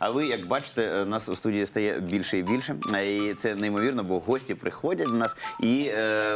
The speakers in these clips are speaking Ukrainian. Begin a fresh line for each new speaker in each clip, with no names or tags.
А ви, як бачите, нас у студії стає більше і більше. І це неймовірно, бо гості приходять до нас, і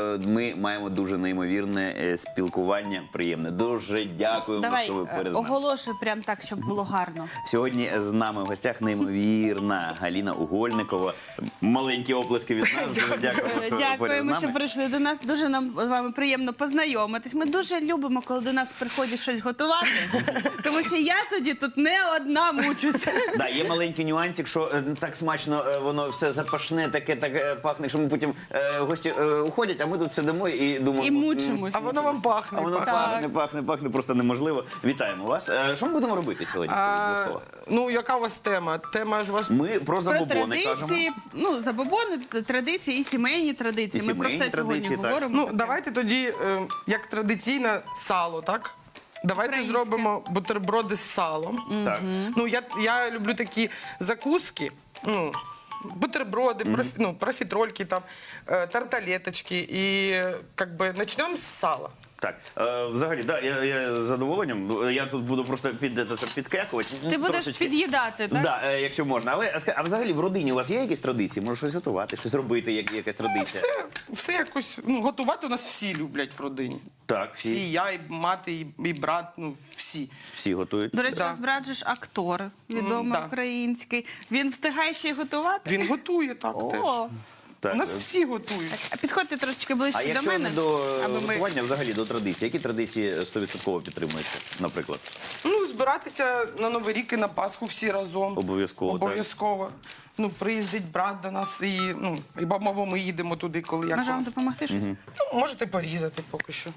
ми маємо дуже неймовірне спілкування, приємне. Дуже дякуємо,
Давай,
що ви перед нами.
оголошуй прям так, щоб було гарно.
Сьогодні з нами в гостях неймовірна Галина Угольникова. Маленькі оплески від нас. Дуже дякуємо, що ви поряд з
Дякуємо, що
нами.
прийшли до нас. Дуже нам з вами приємно познайомитись. Ми дуже любимо, коли до нас приходять щось готувати, тому що я тоді тут не одна мучуся.
Да, є маленький нюансик, що так смачно воно все запашне, таке так пахне, що ми потім гості уходять, а ми тут сидимо і думаємо.
І мучимось.
А воно вам пахне.
А воно пахне, просто неможливо. Вітаємо вас. Що ми будемо робити сьогодні? Скажіть, будь ласка.
Ну, яка у вас тема? Тема ж у вас...
Ми про
Про
забобони кажемо.
традиції, ну, забобони, традиції і сімейні традиції.
І
Ми про
сімейні
все сьогодні
традиції, так.
говоримо.
Ну, давайте тоді, як традиційне сало, так? Давайте
Українське.
зробимо бутерброди з салом.
Так.
Ну, я люблю такі закуски, ну, бутерброди, профітрольки, там, тарталеточки. І, як би, почнемо з сала.
Так, взагалі, да, я з задоволенням. Я тут буду просто підкрякувати.
Ти будеш
трошечки.
під'їдати, так?
Да, якщо можна. Але а взагалі в родині у вас є якісь традиції? Може щось готувати, щось робити, якась традиція?
Все якось, ну, готувати у нас всі люблять в родині.
Так,
Всі,
всі,
я, і мати, і брат, ну, всі.
всі готують.
До речі,
Да.
у вас брат же ж актор, відомий
да.
український. Він встигає ще й готувати?
Він готує так теж.
О,
Так.
У нас всі готують.
а підходьте трошечки ближче
А
до
якщо
мене,
не до
аби ми...
готування, взагалі до традицій, які традиції 100% підтримуються, наприклад?
Ну, збиратися на Новий рік і на Пасху всі разом.
Обов'язково, так.
Обов'язково. Ну, приїздить брат до нас і, ну, і бабо, ми їдемо туди, коли як
Може
у
вам
нас.
допомогти щось?
Ну, можете порізати поки що.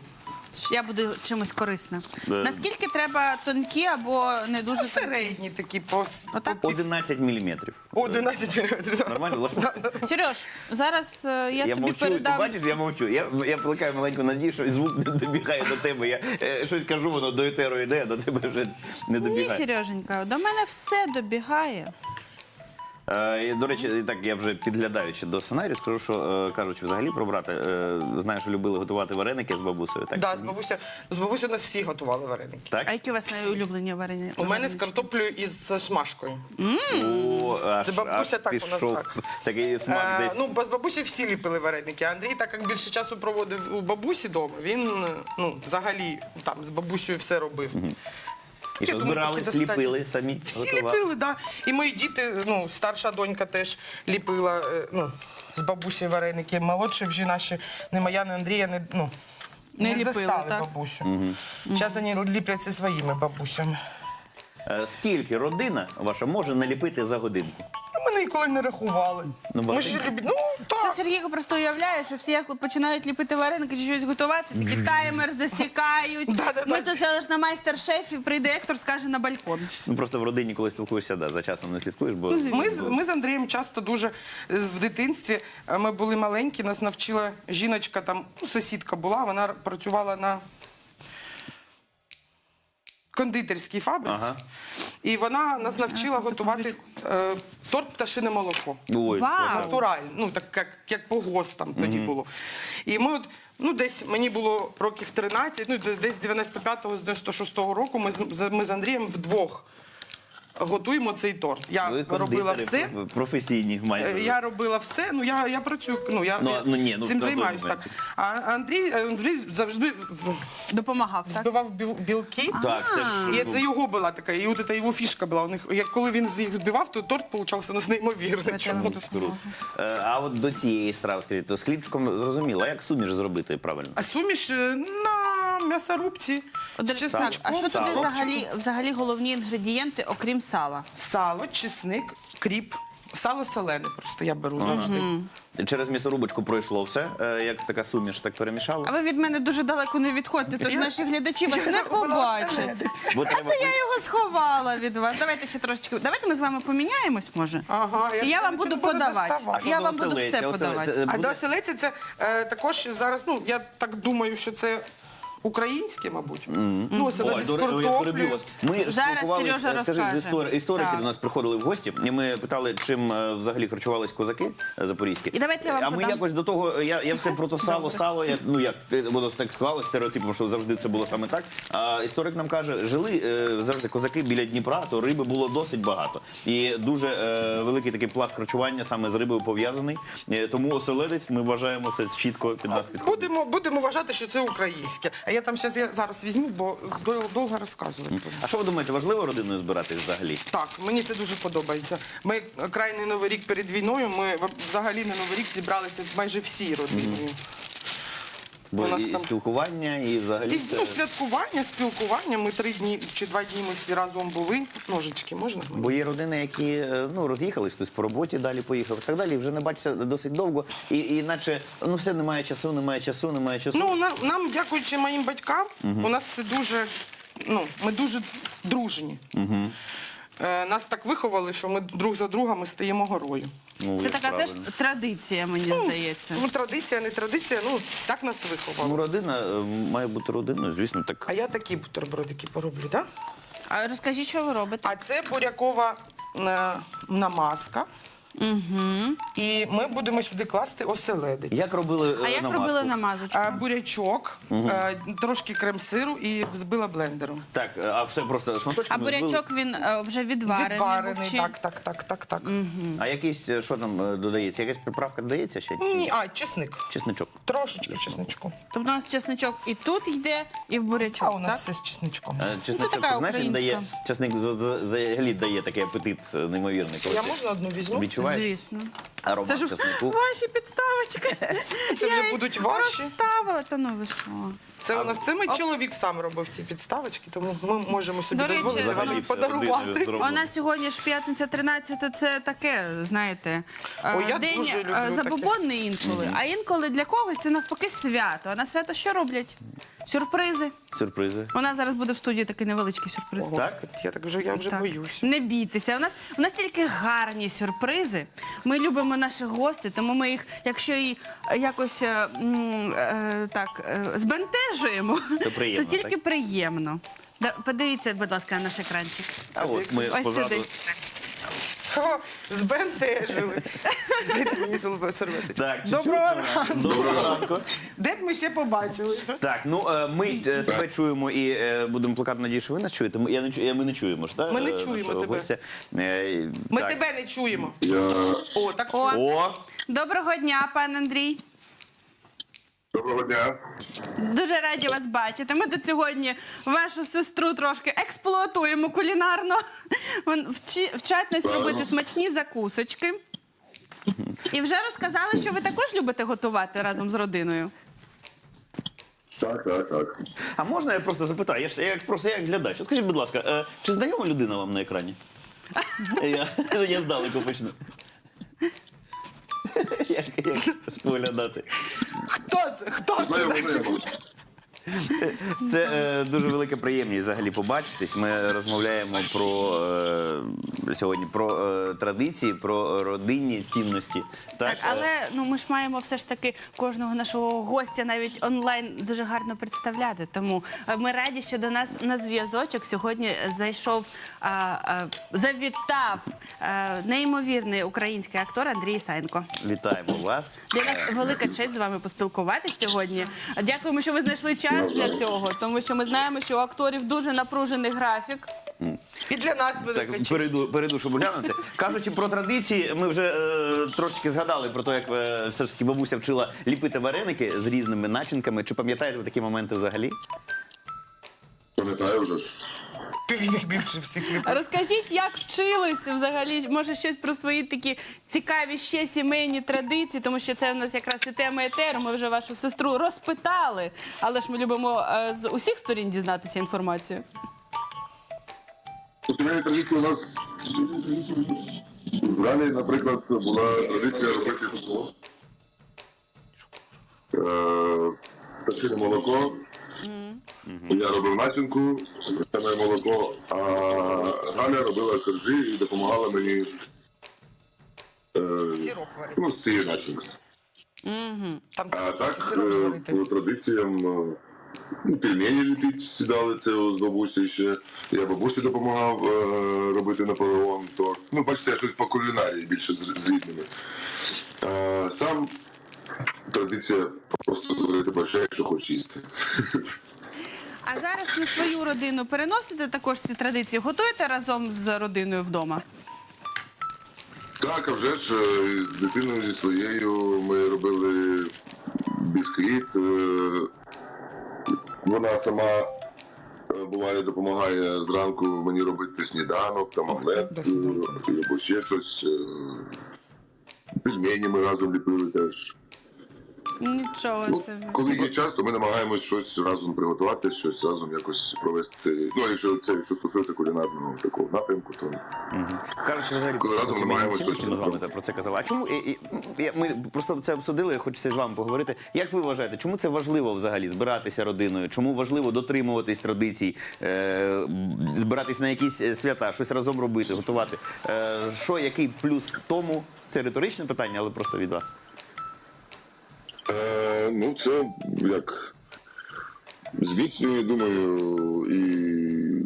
Я буду чимось корисна.
Да.
Наскільки треба тонкі або не дуже
Ну, середні такі
Отак?
11 міліметрів.
11 мм.
Нормально? власне?
Сереж, зараз я тобі
мовчу,
передам.
ти бачиш, я мовчу. Я плекаю маленьку надію, що звук не добігає до тебе. Я щось кажу, воно до етеру йде, а до тебе вже не
Ні,
добігає.
Сереженька, до мене все добігає.
І, до речі, і так я вже підглядаючи до сценарію, скажу, що кажучи взагалі про брата, знаю, що любили готувати вареники з бабусею. Так?
Да, з бабусею у нас всі готували вареники.
Так?
А які у вас найулюблені варені?
У мене з картоплею і з шмашкою.
О, аж,
Це бабуся
аж
так у нас
пішов
так.
такий смак десь.
Ну, з бабусі всі ліпили вареники. Андрій, так як більше часу проводив у бабусі вдома, він, ну, взагалі там з бабусею все робив.
І що
я думаю,
збирали,
такі достатньо.
ліпили самі?
Всі
готували?
ліпили, так. Да. І мої діти, ну, старша донька теж ліпила, ну, з бабусі вареники. Молодші вже наші, не моя, не Андрія,
Не
не
ліпили,
застали
так?
бабусю. Зараз вони ліпляться своїми бабусями.
Скільки родина ваша може наліпити за годинку?
Ми ніколи не рахували.
Ну,
Ми ж
багатенько.
любимо, ну, так.
Це Сергійко просто уявляє, що всі як починають ліпити вареники чи щось готувати, такі таймер засікають.
Да-да-да.
Ми тут зараз на майстер-шефі, прийде Ектор, скаже на балкон.
Ну просто в родині, коли спілкуєшся, да, за часом не слідкуєш, бо
Ми з Андрієм часто дуже в дитинстві, ми були маленькі, нас навчила жіночка, там, ну, сусідка була, вона працювала на кондитерській фабриці.
Ага.
І вона нас навчила готувати торт пташине молоко.
Ой,
Вау!
класно.
Натурально, ну так як по ГОСТам тоді було. І ми от, ну десь мені було років 13, ну десь з 95-го, з 96-го року ми з Андрієм вдвох готуємо цей торт. Я
Ви
робила
кондитери
все.
професійні майже.
Я робила все, ну я працюю, я цим
на той
займаюся.
момент.
Так. А Андрій завжди
Допомагав, так?
збивав білки.
Так, це ж
І це його була така, і от це його фішка була. У них, коли він їх збивав, то торт получався неймовірний. Чому?
круто. А от до цієї страви, скажіть, то з хлібчиком зрозуміло, а як суміш зробити правильно?
А суміш на м'ясорубці
От,
з
так,
чесночком,
а що туди
сало,
взагалі головні інгредієнти, окрім сала?
сало, чесник, кріп. Сало солене просто я беру завжди.
Через м'ясорубочку пройшло все, як така суміш, так перемішали.
А ви від мене дуже далеко не відходьте, тож наші глядачі вас не побачать.
Бо
А
треба
це я його сховала від вас. Давайте ще трошечки. Давайте ми з вами поміняємось, може?
Ага,
І я вам буду
не буду
подавати.
доставати.
Я
Що
вам
до
буду
оселедця?
все подавати.
Оселедця
А
буде?
до оселедця це також зараз, ну, я так думаю, що це українське, мабуть. Ну, оселедець з
Я переб'ю
картоплею.
вас. Ми ж
Зараз
спілкувалися,
Сережа
скажіть, з
розкаже.
історики
Так.
до нас приходили в гості, і ми питали, чим взагалі харчувались козаки запорізькі.
І давайте я вам
А ми
подам.
якось до того, я все про то сало, воно так склалось стереотипом, що завжди це було саме так. А історик нам каже, жили завжди козаки біля Дніпра, то риби було досить багато. І дуже великий такий пласт харчування саме з рибою пов'язаний. Тому оселедець, ми вважаємо, це чітко під нас підходить.
Будемо вважати, що це українське. А я там зараз візьму, бо довго розказувати.
А що ви думаєте, важливо родиною збиратись взагалі?
Так, мені це дуже подобається. Ми крайний Новий рік перед війною, ми взагалі на Новий рік зібралися майже всі родиною.
Бо
У нас
і
там-
спілкування, і взагалі
І
це...
святкування, спілкування. Ми 3 дні чи 2 дні ми всі разом були. Ножички можна?
Бо є родини, які роз'їхались, хтось по роботі далі поїхав і так далі, і вже не бачаться досить довго. І наче все немає часу.
Ну, нам, дякуючи моїм батькам, у нас все дуже, ми дуже дружні. Нас так виховали, що ми друг за другом стаємо горою.
Ну,
Це
як
така теж
правильно.
традиція, мені здається.
Ну, традиція, не традиція, так нас виховали.
Ну, родина має бути родиною, звісно, так.
А я такі бутербродики пороблю, так?
А розкажіть, що ви робите?
А це бурякова намазка. І ми будемо сюди класти оселедець.
Як робили
А як
намазку?
робили намазочку?
Бурячок, трошки крем-сиру і взбила блендером.
Так, а все просто
А
шматочками
бурячок він вже відварений.
Відварений,
був чи-
так.
А якийсь, що там додається? Якась приправка додається ще?
Ні, чесник.
Чесничок.
Трошечки чесничку.
Тобто у нас чесничок і тут йде, і в
А
бурячок,
у нас
так?
все з чесничком.
Чесничок,
така
ти знаєш, він дає,
українська.
чесник взагалі дає такий апетит неймовірний. коли
Я
ти
можна одну візьму?
відчуваєш
Звісно.
аромат
Це ж
чеснику.
ваші підставочки.
Це
Я
вже
їх
будуть ваші?
Розставила, та ну ви що.
Це мій чоловік сам робив ці підставочки, тому ми можемо собі
До речі,
дозволити вам
взагалі
їх
це родиною
подарувати.
зроблено.
У нас сьогодні ж п'ятниця 13, це таке, знаєте,
Ой, я
день
дуже люблю таке.
забобонний інколи, а інколи для когось це навпаки свято. А на свято що роблять? Сюрпризи.
Сюрпризи.
У нас зараз буде в студії такий невеличкий сюрприз.
Ого, я вже
Так.
боюся.
Не бійтеся. У нас тільки гарні сюрпризи. Ми любимо наших гостей, тому ми їх, якщо і якось збентежуємо,
То приємно,
то тільки
так?
приємно. Подивіться, будь ласка, на наш екранчик.
А от ми
Ось
позаду.
сюди.
О, збентежили. Дайте мені серветочку.
Так, чуть-чуть.
Доброго ранку.
Доброго ранку.
Де б ми ще побачилися?
Так, ми себе чуємо і будемо плекати надію, що ви нас чуєте. Ми не чуємо ж, так?
Ми не чуємо
нашого
тебе.
гостя.
Ми
Так.
тебе не чуємо. О, так
О.
чуємо.
О,
Доброго дня, пан Андрій.
Доброго дня.
Дуже раді вас бачити. Ми тут сьогодні вашу сестру трошки експлуатуємо кулінарно. Вчать нас робити смачні закусочки. І вже розказали, що ви також любите готувати разом з родиною.
Так.
а можна я просто запитаю? Просто як глядач. От скажіть, будь ласка, чи знайома людина вам на екрані? Я здалеку почну. Як споглядати?
Хто це? Хто це?
Знаємо.
Це дуже велика приємність взагалі побачитись. Ми розмовляємо сьогодні про традиції, про родинні цінності.
Так, але ми ж маємо все ж таки кожного нашого гостя навіть онлайн дуже гарно представляти. Тому ми раді, що до нас на зв'язочок сьогодні завітав неймовірний український актор Андрій Ісаєнко.
Вітаємо вас.
Для нас велика честь з вами поспілкуватись сьогодні. Дякуємо, що ви знайшли час для цього, тому що ми знаємо, що у акторів дуже напружений графік.
І для нас велика
Так,
честь.
перейду, щоб глянути. Кажучи про традиції, ми вже трошки згадали про те, як все ж таки бабуся вчила ліпити вареники з різними начинками. Чи пам'ятаєте ви такі моменти взагалі?
Пам'ятаю вже ж.
Він їх більше всіх любить.
Розкажіть, як вчилися взагалі, може щось про свої такі цікаві ще сімейні традиції, тому що це у нас якраз і тема етеру, ми вже вашу сестру розпитали, але ж ми любимо з усіх сторін дізнатися інформацію.
У сімейній традиції у нас згалі, наприклад, була традиція робити футбол. Пташине молоко. Я робив начинку, це моє молоко, а Галя робила коржі і допомагала мені
Сироп варити.
з цією начинкою.
Там
А
просто
так,
сироп зварити.
по традиціям Пельмені ліпити сідали, це з бабусі ще. Я бабусі допомагав робити Наполеон. То, ну, бачите, я щось по кулінарії більше з рідними. Сам традиція просто зварити борща, якщо хочеш їсти.
А зараз на свою родину переносите також ці традиції? Готуєте разом з родиною вдома?
Так, а вже ж з дитиною зі своєю ми робили бісквіт. Вона сама буває допомагає зранку мені робити сніданок, там омлет, або ще щось. Пельмені ми разом ліпили теж.
Нічого
Ну,
собі.
коли є час, то ми намагаємось щось разом приготувати, щось разом якось провести. Ну, якщо стосується кулінарного такого напрямку, то
Кажуть, що взагалі
Коли разом
сімейні
намагаємось
цінності, ми з вами
щось
про це казали. А чому ми просто це обсудили, хочеться з вами поговорити. Як ви вважаєте, чому це важливо взагалі збиратися родиною? Чому важливо дотримуватись традицій, збиратись на якісь свята, щось разом робити, готувати? Який плюс в тому? Це риторичне питання, але просто від вас.
ну це як зміцнює, думаю, і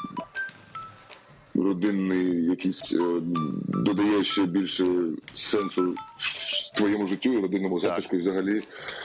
родинний якийсь додає ще більше сенсу твоєму життю і родинному затишку і взагалі.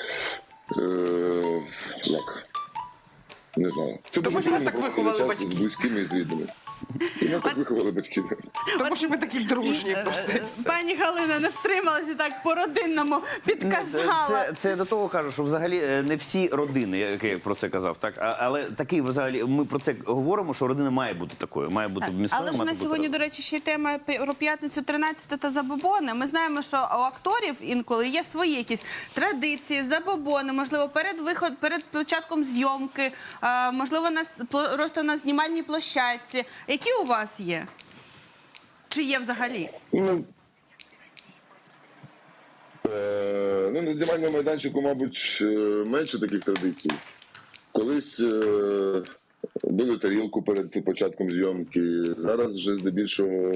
Як? Не знаю. Це
Тому
дуже
що нас
приємно
так
проводити
виховали
час
батьки.
з близькими і з рідними. І нас так виховали батьки.
Тому що ми такі дружні просто і все.
Пані Галина не втрималася, так по-родинному підказала.
Це до того кажу, що взагалі не всі родини, як я про це казав, так? Але такий взагалі, ми про це говоримо, що родина має бути такою, має бути міцною.
Але ж
має
на
бути
сьогодні,
разом.
до речі, ще й тема про п'ятницю 13 та забобони. Ми знаємо, що у акторів інколи є свої якісь традиції, забобони, можливо, перед початком зйомки, можливо, просто на знімальній площадці. Які у вас є? Чи є взагалі?
Ну, на знімальному майданчику, мабуть, менше таких традицій. Колись били тарілку перед початком зйомки. Зараз вже здебільшого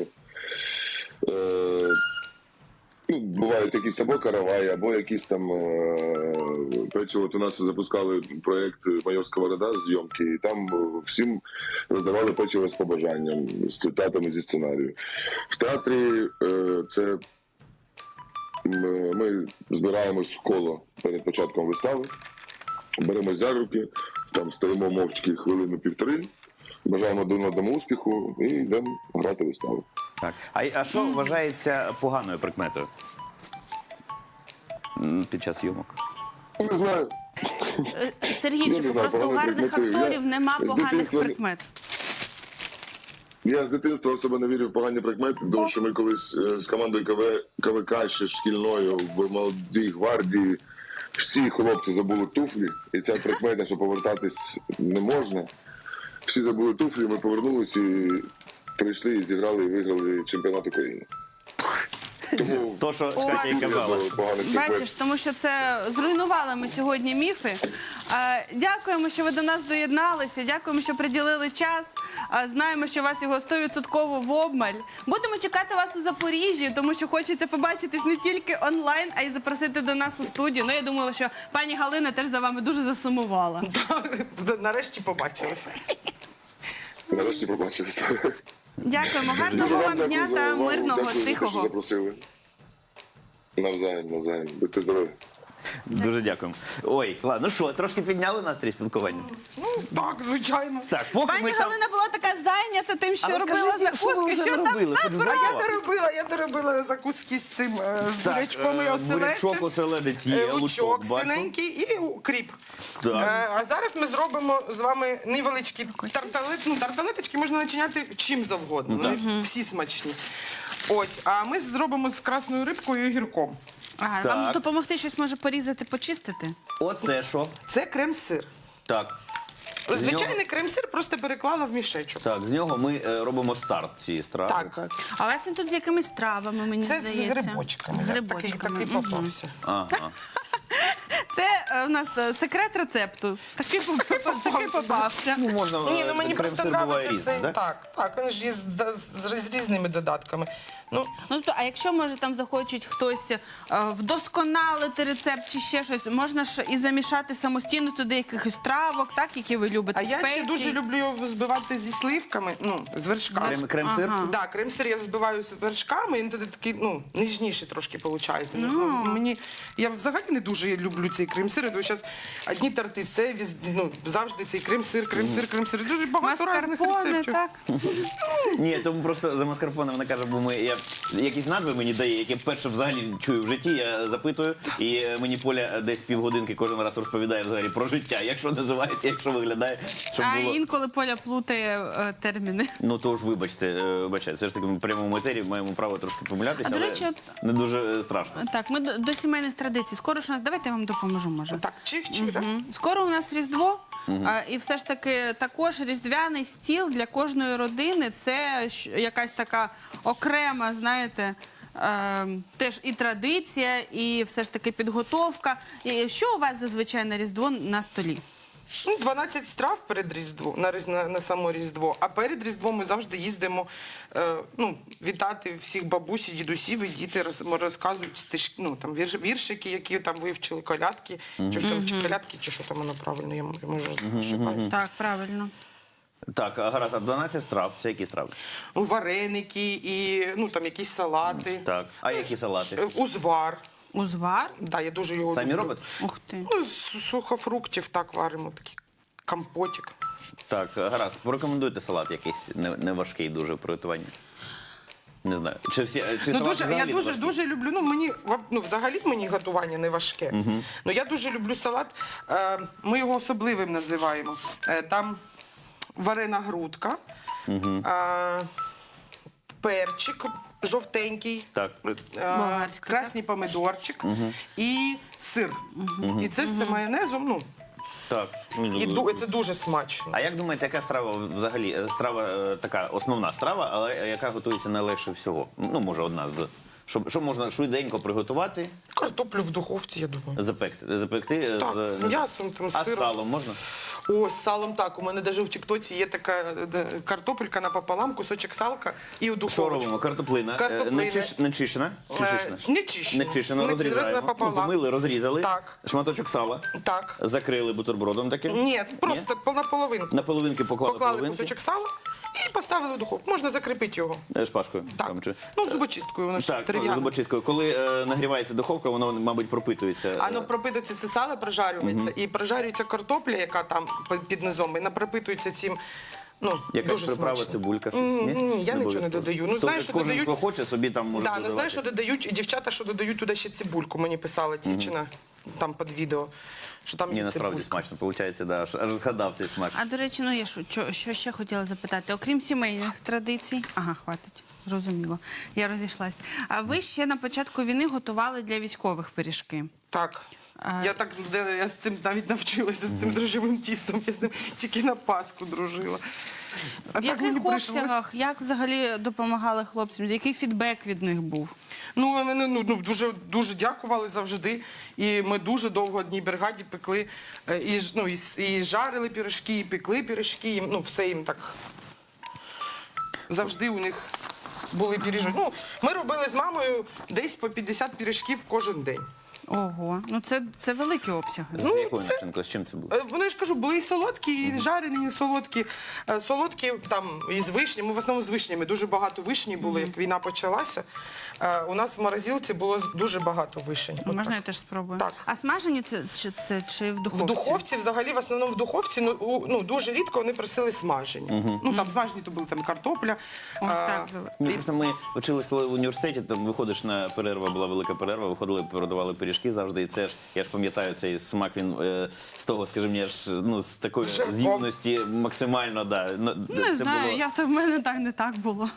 бувають якісь або караваї, або якісь там печиво. От у нас запускали проєкт «Майор Сковорода» зйомки, і там всім роздавали печиво з побажанням, з цитатами зі сценарію. В театрі це ми збираємось в коло перед початком вистави, беремось за руки, там стоїмо мовчки хвилину-півтори, бажаємо один одному успіху і йдемо грати виставу.
Так. А що вважається поганою прикметою під час зйомок?
Не знаю.
Сергійчику,
знаю,
просто у
поганої
гарних
прикмети.
акторів нема
з
поганих
дитинства-
прикмет.
Я з дитинства особо не вірю в погані прикмети, тому що ми колись з командою КВК ще шкільною в молодій гвардії всі хлопці забули туфлі, і ця прикмета, що повертатись не можна. Всі забули туфлі, ми повернулися і прийшли і зіграли і виграли чемпіонат України. Тому
То, що кстати, і казала.
поганих прикмет.
Бачиш, тому що це зруйнували ми сьогодні міфи. Дякуємо, що ви до нас доєдналися. Дякуємо, що приділили час. Знаємо, що у вас його 100% в обмаль. Будемо чекати вас у Запоріжжі, тому що хочеться побачитись не тільки онлайн, а й запросити до нас у студію. Ну, я думаю, що пані Галина теж за вами дуже засумувала.
Нарешті побачилися.
Нарешті побачилися.
Дякуємо.
Дуже
Гарного вам
дякую
дня
за
та
увагу.
мирного,
Дякую за те, що
тихого.
запросили. Навзаєм. Будьте здорові.
Дуже дякуємо. Ой, ладно, ну що, трошки підняли настрій спілкування?
Ну, так, звичайно.
Так, поки
Пані
ми там...
Галина була така зайнята тим, що
Але
робила
скажіть, що ви
закуски,
вже
що там
робили? Хоч
набрала.
Я доробила закуски з цим, з бурячком і оселедцем.
бурячок, оселедець є,
Лучок
бачу.
синенький і кріп.
Так.
А зараз ми зробимо з вами невеличкі тарталеточки можна начиняти чим завгодно. Вони всі смачні. Ось, а ми зробимо з красною рибкою і огірком.
Ага,
Так.
вам допомогти щось може порізати, почистити?
Оце що?
Це крем-сир.
Так.
Звичайний крем-сир просто переклала в мішечок.
Так, з нього ми робимо старт цієї страви.
Так.
А у вас він тут з якимись травами, мені
Це з
здається.
грибочками.
З грибочками.
Такий
Мгм.
попався.
Ага.
Це у нас секрет рецепту. Такий попався.
Ну, можна,
Ні, ну мені просто
крем-сир буває
подобається
різний,
цей.
так?
Так, він ж є з різними додатками. Ну,
Ну, то, а якщо, може, там захочуть хтось вдосконалити рецепт чи ще щось, можна ж і замішати самостійно туди якихось травок, так, які ви любите,
а я ще
спецій.
дуже люблю його збивати зі сливками, ну, з вершками.
Крем-сир?
Ага.
Да, крем-сир я збиваю з вершками, він тоді такий, ну, ніжніший трошки виходить. Я взагалі не дуже люблю цей крем-сир. Я зараз одні торти, все, ну, завжди цей крем-сир. Дуже багато різних
Маскарпоне,
рецептів.
так?
Ні, тому просто за маскарпоне вона каже, бо я якісь назви мені дає, які вперше взагалі чую в житті, я запитую, і мені Поля десь півгодинки кожен раз розповідає взагалі про життя, якщо називається, якщо виглядає, щоб
А
було...
інколи Поля плутає терміни.
Ну, то ж, вибачте, все ж таки ми в прямому етері маємо право трошки помилятися,
А, до
але
речі,
не дуже страшно.
Так, ми до сімейних традицій. Скоро ж у нас, давайте я вам допоможу, може.
Так, чих-чих, так?
Скоро у нас Різдво, і все ж таки також різдвяний стіл для кожної родини – це якась така окрема, знаєте, теж і традиція, і все ж таки підготовка. І що у вас зазвичай на Різдво на столі?
Ну, 12 страв перед Різдвом, на само Різдво. А перед Різдвом ми завжди їздимо вітати всіх бабусі, дідусів, і діти розказують стишки, ну, там, віршики, які там вивчили, колядки, чи колядки, чи що там воно правильно, я можу ошибаюсь.
Так, правильно.
Так, гаразд, а 12 страв, це які страви?
Ну, вареники, і там якісь салати,
Так, а які салати?
узвар.
Узвар?
Да, я дуже його
Самі
люблю.
робите?
Ух ти.
Ну, з сухофруктів так варимо, такий компотик.
Так, гаразд, порекомендуйте салат якийсь не важкий дуже в приготуванні. Не знаю. Чи
Ну,
салат
дуже, я
взагалі не важкий?
дуже люблю. Взагалі мені готування не важке. Ну я дуже люблю салат. Ми його особливим називаємо. Там варена грудка, перчик жовтенький,
Так.
Болгарський,
красний помидорчик і сир. І це все майонезом. Ну,
Так.
і це дуже смачно.
А як думаєте, яка страва взагалі? Страва така основна страва, але яка готується найлегше всього? Ну, може, одна з. Що можна швиденько приготувати,
Картоплю в духовці, я думаю.
запекти
Так, з м'ясом, там, з
а з
сиром.
салом можна?
Ой, з салом так. У мене навіть в Тіктоці є така картопелька напополам, кусочок салка і в
Що
духовочку.
робимо? Картоплина.
Картоплина.
Не чищена? Чи чищена?
Не чищена.
Не чищена, розрізаємо.
Напополам.
Помили, розрізали.
Так.
Шматочок сала.
Так.
Закрили бутербродом таким.
Ні, просто на половинку.
На половинки поклали
Поклали
половинки.
кусочок сала і поставили в духовку. Можна закріпити його.
Шпажкою.
Так.
Там, чи...
Ну, зубочисткою, воно ж
Так,
дерев'яне.
зубочисткою. Коли нагрівається духовка, воно, мабуть, пропитується.
Воно пропитується, це сало прожарюється, і прожарюється картопля, яка там під низом, і вона пропитується цим. Ну,
Якась
дуже
приправа,
смачно.
цибулька, щось?
Ні, я нічого не
обов'язково.
додаю. Ну,
То
знаєш, що
кожен,
додають.
хто хоче, собі там може
Да,
додавати.
ну знаєш, що додають дівчата, що додають туди ще цибульку. Мені писала дівчина там під відео, що там
Ні,
є
насправді
цибулька.
смачно, виходить, да, аж згадав цей смак.
А, до речі, ну я що ще хотіла запитати? Окрім сімейних традицій, ага, хватить, зрозуміло, я розійшлась. А ви ще на початку війни готували для військових пиріжки.
Так. Я з цим навіть навчилася, з цим дрожжевим тістом. Я з ним тільки на Пасху дружила. А
В
так мені
яких
прийшлось.
обсягах, як взагалі допомагали хлопцям? Який фідбек від них був?
Ну, вони дуже дякували завжди. І ми дуже довго в одній бригаді пекли, і жарили пиріжки, і пекли пиріжки. Ну, все їм так завжди у них були пиріжки. Ну, ми робили з мамою десь по 50 пиріжків кожен день.
Ого, ну це великі обсяги.
З
Ну,
якою
це-
начинкою? З чим це було?
Вони ж кажу, були і солодкі, і жарені, і солодкі. Солодкі там і з вишні. Ми в основному з вишнями. Дуже багато вишні було, як війна почалася. У нас в морозилці було дуже багато вишень. От
Можна
так.
я теж спробую?
Так.
А смажені чи в духовці?
В духовці, взагалі, в основному в духовці, дуже рідко вони просили смажені. Ну, там смажені, то були там картопля.
Ось так.
Ні, просто ми вчились, коли в університеті, там виходиш на перерву, була велика перерва, виходили, продавали пиріжки завжди. І це ж, я ж пам'ятаю, цей смак, він з того, скажімо, аж, з такої
З жарком.
з'ївності максимально, да.
Не знаю, в мене не так було.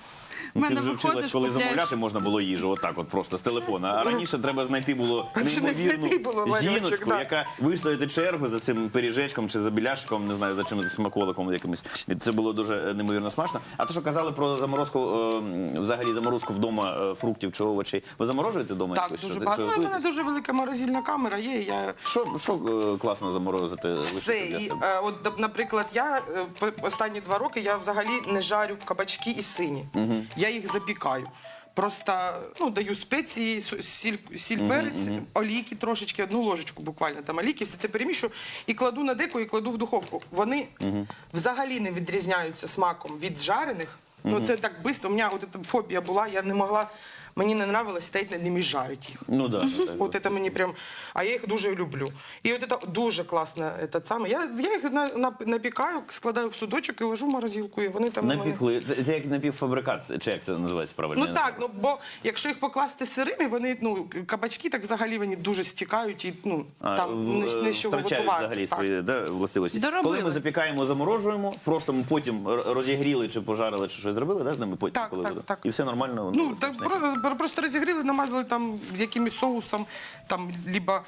В мене
Ти вже
виходиш,
вчилась, коли
купляєш.
замовляти можна було їжу, отак от просто з телефона. А раніше треба знайти було
А чи не знайти було,
неймовірну
Валерчик,
жіночку,
да.
яка вистояти чергу за цим пиріжечком чи за біляшиком, не знаю, за чим смаколиком якимось. І це було дуже неймовірно смачно. А то, що казали про заморозку, взагалі заморозку вдома фруктів чи овочей, ви заморожуєте вдома?
Так,
якось?
дуже
Що-
багато.
що
Ну, у мене
готуєте?
дуже велика морозильна камера є, і я
Що класно заморозити?
все.
лишити для
І,
себе?
от, наприклад, я останні 2 роки я взагалі не жарю кабачки і сині. Я їх запікаю. Просто даю спеції, сіль, перець, олійки трошечки, 1 ложечку буквально там олійки, все це перемішую і кладу на деко, і кладу в духовку. Вони взагалі не відрізняються смаком від жарених. Ну це так швидко. У мене от ця фобія була, я не могла, мені не нравилось стояти над ними і жарити їх.
Ну да.
От це мені прям, а я їх дуже люблю. І от це дуже класно, саме. Я їх напікаю, складаю в судочок і ложу в морозилку, і вони там у мене...
Напікли. Це як напівфабрикат, чи як це називається правильно?
Ну так, бо якщо їх покласти сирими, вони, кабачки так взагалі вони дуже стікають і там не з чого
втрачають
готувати.
взагалі
Так.
свої властивості.
Доробили.
Коли ми запікаємо, заморожуємо, просто ми потім розігріли чи пожарили, чи щось зробили, да, з ними потім,
Так,
коли
так,
буде?
так.
І все нормально. воно
Ну, так,
смачне.
просто розігріли, намазали там якимось соусом, там, либо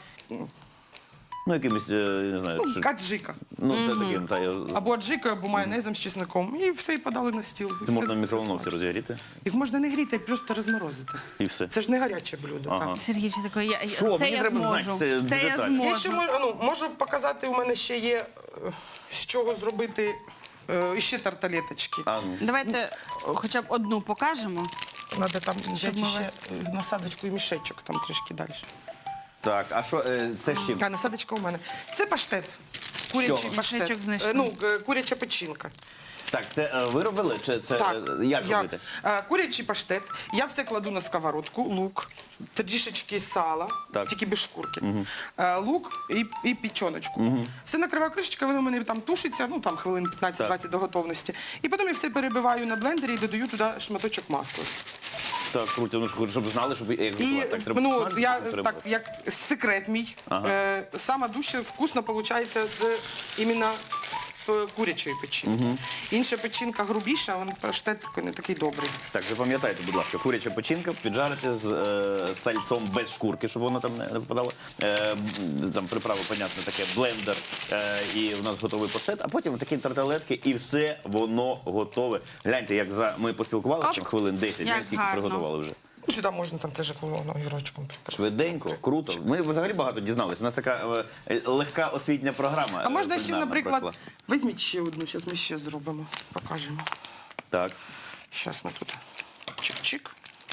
Ну, якимось, не знаю, що-
аджика.
ну, це таким, та,
Або аджикою, або майонезом з чесником. І все, і подали на стіл. І
це
все-
можна в
все
мікроволновці
смачно.
розігріти,
Їх можна не гріти, а просто розморозити.
і все.
Це ж не гаряче блюдо.
Ага.
Так.
Сергійчик такий,
Що?
це
Мені
я
треба
зможу.
знати, це
Це я
деталі.
Я ще
зможу.
можу показати, у мене ще є з чого зробити ще тарталеточки.
А, ну.
Давайте хоча б одну покажемо.
Надо там взяти
ми
ще
вас-
насадочку і мішечок там трішки далі.
Так, а що, це з чим?
А насадочка у мене. Це паштет. Курячий
Чого?
паштет.
Мішечок знайшли.
Куряча печінка.
Так, це ви робили, чи це як робити?
Курячий паштет. Я все кладу на сковородку, лук, трішечки сала,
Так.
тільки без шкурки. Лук і печіночку. Все накриваю кришечкою, воно в мене там тушиться, ну там хвилин 15-20 до готовності. І потім я все перебиваю на блендері і додаю туди шматочок масла.
Так, круто, ну, щоб знали, щоб як
І
готувати. Так, треба смажити,
я
так треба.
так, як секрет мій,
Ага.
саме дуже вкусно виходить іменно з курячої печінки. Інша печінка грубіша, а паштет такий не такий добрий.
Так, запам'ятайте, будь ласка, куряча печінка, піджарити з сальцом без шкурки, щоб воно там не попадало. Там приправи, понятно, таке блендер, і у нас готовий паштет, а потім такі тарталетки, і все воно готове. Гляньте, як ми поспілкувалися,
Оп.
там хвилин 10,
Як
ми скільки
гарно.
приготували вже.
Сюди можна там теж огірочком прикрасити.
Швиденько, круто. Ми взагалі багато дізналися. У нас така легка освітня програма.
А можна ще,
кулінарна
наприклад,
пройшла.
візьміть ще одну, зараз ми ще зробимо, покажемо.
Так.
Зараз ми тут чик-чик.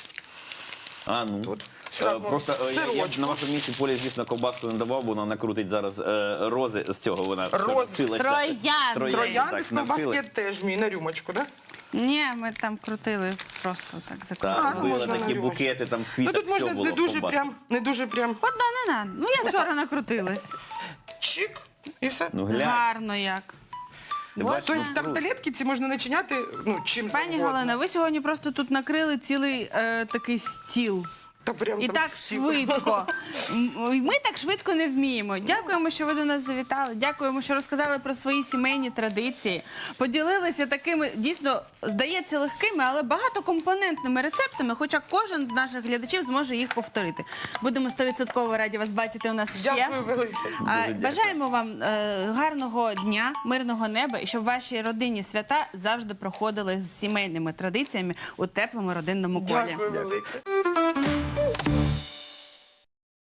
А, ну.
Тут. Сюди
Просто я б
сирочку.
на вашому місці Полі, звісно, ковбаску не давав, бо вона накрутить зараз рози з цього. Вона
Рози.
навчилась, так.
Троянди.
Троянди
так,
з колбаски я
навчилась.
теж вмію на рюмочку, так?
Ні, ми там крутили просто так
Так,
закрутили.
ну,
били
можна на
такі
рюмочку.
букети, там
Ну
квіток,
тут можна
все було
не
в
дуже
ковбасці.
прям,
Одна не надо. Ну я вчора накрутилась.
чик, і все.
Ну глянь.
Гарно як.
Ти
Боже.
бачиш,
То
ну,
тарталетки ці можна начиняти чим
Пані
завгодно.
Галина, ви сьогодні просто тут накрили цілий такий стіл.
Та прям
І
там
так
стіл.
швидко. Ми так швидко не вміємо. Дякуємо, що ви до нас завітали. Дякуємо, що розказали про свої сімейні традиції. Поділилися такими, дійсно, здається, легкими, але багатокомпонентними рецептами, хоча кожен з наших глядачів зможе їх повторити. Будемо 100% раді вас бачити у нас ще.
Дякую велике.
Бажаємо вам гарного дня, мирного неба і щоб ваші родинні свята завжди проходили з сімейними традиціями у теплому родинному колі.
Дякую велике.